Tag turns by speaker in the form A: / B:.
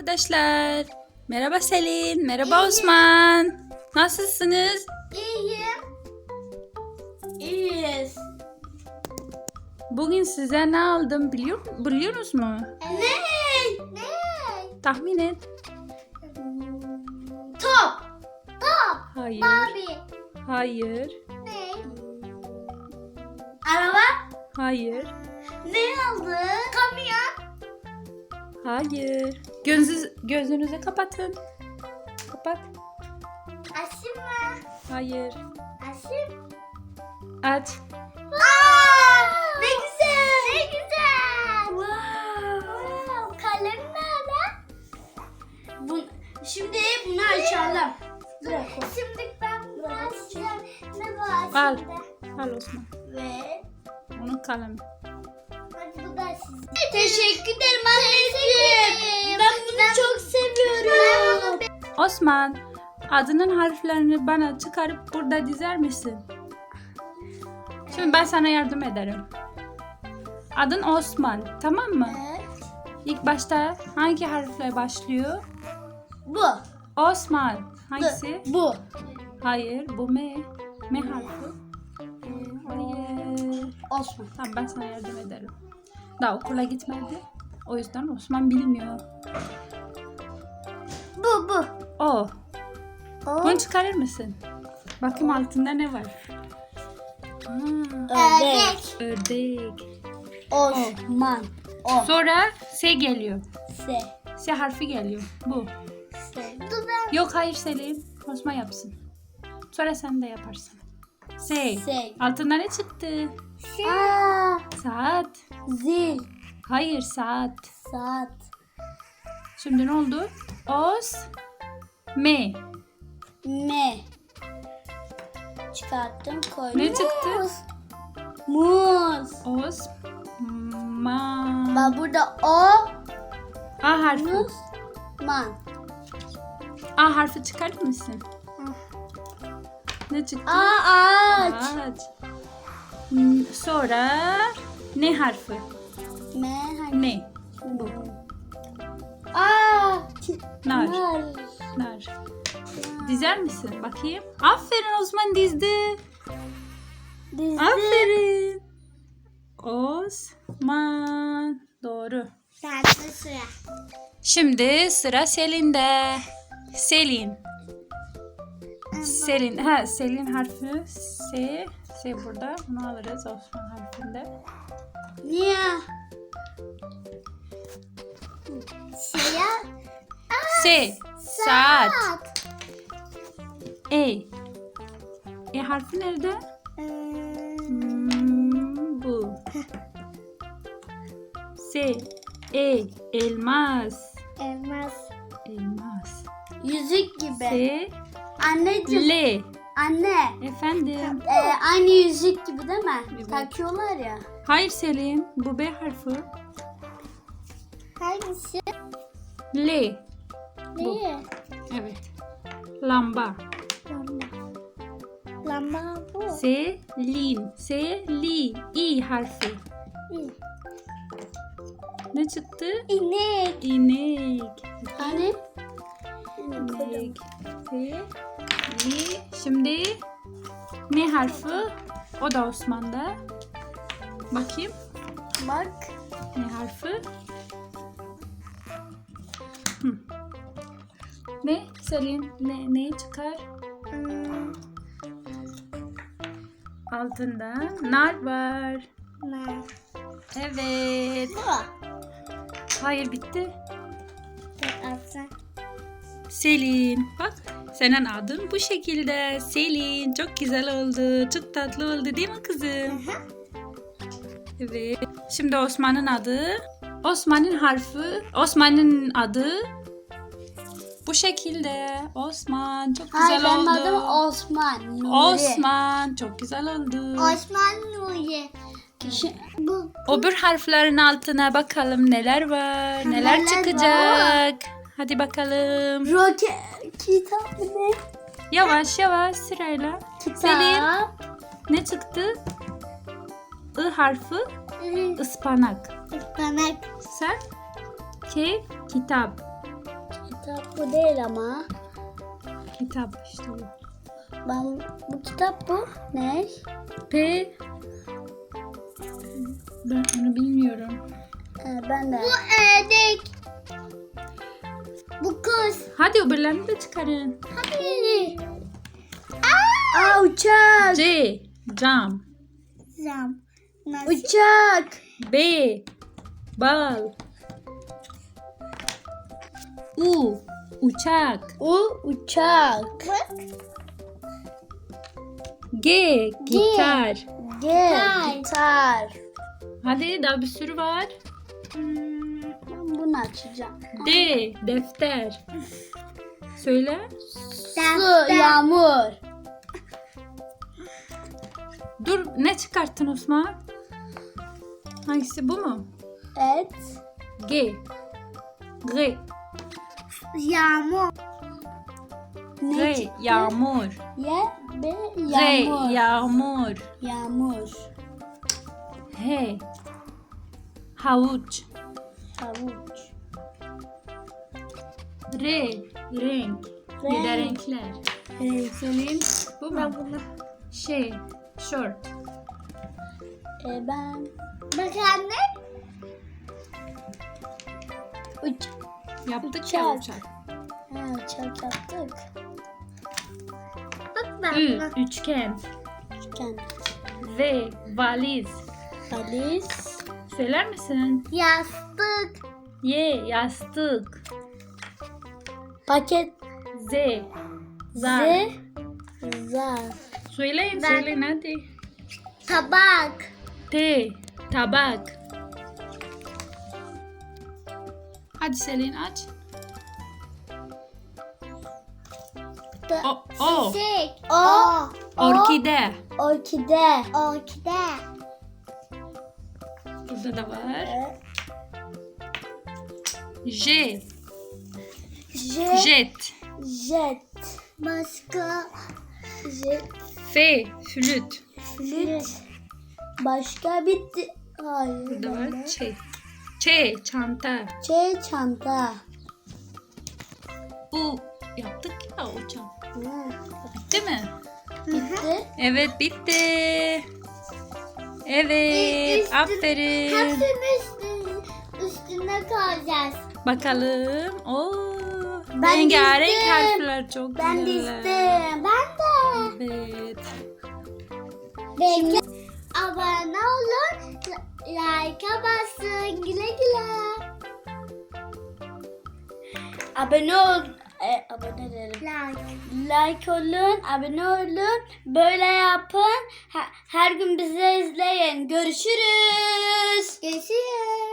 A: arkadaşlar. Merhaba Selin, merhaba Osman. Nasılsınız?
B: İyiyim. İyiyiz.
A: Bugün size ne aldım biliyorsunuz mu?
B: Ne?
A: Tahmin et.
B: Top.
A: Hayır.
B: Barbie.
A: Hayır.
B: Ne? Araba.
A: Hayır.
B: Ne aldı? Kamyon.
A: Hayır. Gözünüzü kapatın. Kapat.
B: Aşım mı?
A: Hayır.
B: Aşım.
A: Aç.
B: Ne güzel. Ne güzel. Wow. Kalem nerede? Şimdi bunu açalım. Şimdi ben bunu açacağım. Ne var
A: Al.
B: şimdi?
A: Al Osman.
B: Ve
A: Onun kalemi.
B: hadi bu da sizin. Teşekkür ederim anneciğim. Ben bunu çok seviyorum.
A: Osman, adının harflerini bana çıkarıp burada dizer misin? Şimdi ben sana yardım ederim. Adın Osman, tamam mı?
B: Evet.
A: İlk başta hangi harfle başlıyor?
B: Bu.
A: Osman. Hangisi?
B: Bu.
A: Hayır, bu M. M harfi. Hayır.
B: Osman.
A: Tamam, ben sana yardım ederim. Daha okula gitmedi. O yüzden Osman bilmiyor.
B: Bu.
A: O. Bunu çıkarır mısın? Bakayım altında ne var?
B: Ördek.
A: Ördek.
B: Osman. O.
A: Sonra S geliyor.
B: S.
A: S harfi geliyor. Bu.
B: S. Dur ben.
A: Yok hayır Selim. Osman yapsın. Sonra sen de yaparsın. S.
B: S.
A: Altında ne çıktı? Saat.
B: Zil.
A: Hayır saat.
B: Saat.
A: Şimdi ne oldu? Os. M.
B: M. Çıkarttım koydum.
A: Ne çıktı?
B: Muz.
A: Os. Ma.
B: Bak burada o.
A: A harfi.
B: Muz. Man.
A: A harfi çıkarır mısın? Ne çıktı?
B: Ağaç.
A: Ağaç. Sonra ne harfi?
B: M. Hani?
A: Ne?
B: Bu.
A: Nar.
B: Nar.
A: Nar. Dizer misin? Bakayım. Aferin Osman dizdi.
B: Dizdi.
A: Aferin. Osman. Doğru.
B: Sende sıra.
A: Şimdi sıra Selin'de. Selin. Selin. Selin harfi S. S burada. Bunu alırız Osman harfinde.
B: Niye? Şeye.
A: S. Saat. E. E harfi nerede? Bu. S. E. Elmas.
B: Elmas.
A: Elmas.
B: Yüzük gibi.
A: S.
B: Anneciğim.
A: L.
B: Anne.
A: Efendim.
B: Aynı yüzük gibi değil mi?
A: Evet.
B: Takıyorlar ya.
A: Hayır Selin. Bu B harfi.
B: Hangisi?
A: L.
B: Neyi?
A: Evet. Lamba.
B: Lamba. Lamba bu.
A: Selin. Selin. İ harfi. Ne çıktı?
B: İnek.
A: İnek.
B: Hani?
A: İnek. Şimdi ne harfi? O da Osman'da. Bakayım.
B: Bak.
A: Ne harfi? Ne? Selin ne çıkar? Altında nar var.
B: Ne?
A: Evet.
B: Bu.
A: Hayır bitti.
B: Atsa.
A: Selin. Bak senin adın bu şekilde. Selin. Çok güzel oldu. Çok tatlı oldu değil mi kızım? Evet. Şimdi Osman'ın adı. Osman'ın harfi. Osman'ın adı. Bu şekilde. Osman. Çok güzel
B: Hayır, benim
A: oldu.
B: adım Osman Nuri.
A: Osman. Çok güzel oldu.
B: Osman Nuri. Bu.
A: Öbür harflerin altına bakalım neler var. Neler
B: Neler
A: çıkacak. Hadi bakalım.
B: Roket. Kitap ne?
A: Yavaş yavaş sırayla.
B: Kitap.
A: Selin ne çıktı? I harfi ıspanak.
B: Ispanak.
A: Sen kitap.
B: Kitap bu değil ama.
A: Kitap işte bu.
B: Bu kitap bu. Ne?
A: P. Ben onu bilmiyorum.
B: Ben de. Bu ördek. Bu kız.
A: Hadi öbürlerini de çıkarın.
B: Hadi. Uçak.
A: C. Cam.
B: Zam. Uçak.
A: B. Bal. U. Uçak.
B: Uçak.
A: G. Gitar.
B: Gitar.
A: Hadi daha bir sürü var.
B: Ben bunu açacağım.
A: D. Defter. Söyle.
B: Su, yağmur.
A: Dur, ne çıkarttın Osman? Hangisi, bu mu?
B: Evet.
A: G. G.
B: Yağmur.
A: G. Yağmur. G.
B: Yağmur.
A: Yağmur.
B: Yağmur.
A: H. Havuç.
B: Havuç.
A: R. Renk. Bir de renkler. Selin, bu mu? Şey. Short.
B: Ben. Bak anne.
A: Yaptık ya
B: Uçak.
A: uçak.
B: Uçak yaptık. Bak
A: Ü. Üçgen.
B: Üçgen.
A: V. Valiz.
B: Valiz.
A: Söyler misin?
B: Yastık.
A: Y. Yastık.
B: Paket.
A: Z. Zar.
B: Zar.
A: Söyleyin, söyleyin hadi.
B: Tabak.
A: T. Tabak. Hadi Selin aç. O.
B: Çiçek.
A: Orkide.
B: Orkide. Orkide.
A: Burada da var. J. Jet.
B: Jet. Başka. Jet.
A: F. Flüt.
B: Flüt. Başka bitti. Hayır.
A: Burada var. Ç. Ç. Çanta.
B: Çanta.
A: U. Yaptık ya uçak. Bitti mi?
B: Bitti.
A: Evet, bitti. Evet. Aferin.
B: Hepsinin üstüne koyacağız.
A: Bakalım. Oo.
B: Ben
A: Rengarenk
B: dizdim.
A: harfler çok
B: Ben de
A: güzeller.
B: istedim. Ben de.
A: Evet.
B: Belki abone olun. Like'a basın. Güle güle. Abone ol. Abone ederim. Like olun. Abone olun. Böyle yapın. Her gün bizi izleyin. Görüşürüz. Görüşürüz.